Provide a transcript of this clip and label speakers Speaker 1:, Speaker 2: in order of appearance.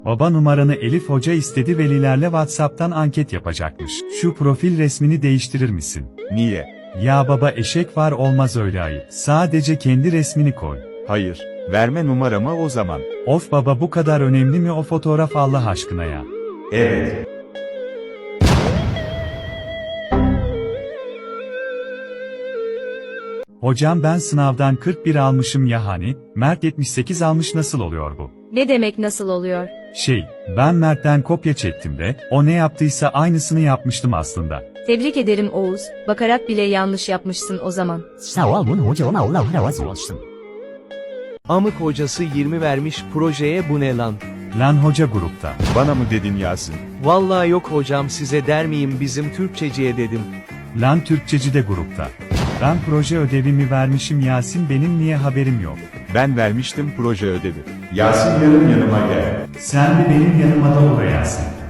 Speaker 1: Baba numaranı Elif Hoca istedi, velilerle WhatsApp'tan anket yapacakmış. Şu profil resmini değiştirir misin?
Speaker 2: Niye?
Speaker 1: Ya baba, eşek var, olmaz öyle ayıp. Sadece kendi resmini koy.
Speaker 2: Hayır. Verme numaramı o zaman.
Speaker 1: Of baba, bu kadar önemli mi o fotoğraf Allah aşkına ya?
Speaker 2: Evet.
Speaker 1: Hocam ben sınavdan 41 almışım ya, hani Mert 78 almış, nasıl oluyor bu?
Speaker 3: Ne demek nasıl oluyor?
Speaker 1: Ben Mert'ten kopya çektim de, o ne yaptıysa aynısını yapmıştım aslında.
Speaker 3: Tebrik ederim Oğuz, bakarak bile yanlış yapmışsın o zaman.
Speaker 4: Amık hocası 20 vermiş projeye, bu ne lan?
Speaker 1: Lan hoca grupta.
Speaker 2: Bana mı dedin Yasin?
Speaker 4: Vallahi yok hocam, size der miyim, bizim Türkçeciye dedim.
Speaker 1: Lan Türkçeci de grupta. Ben proje ödevimi vermişim Yasin, benim niye haberim yok?
Speaker 2: Ben vermiştim proje ödevi. Yasin yarın yanıma gel.
Speaker 1: Sen bir benim yanıma da uğra Yasin.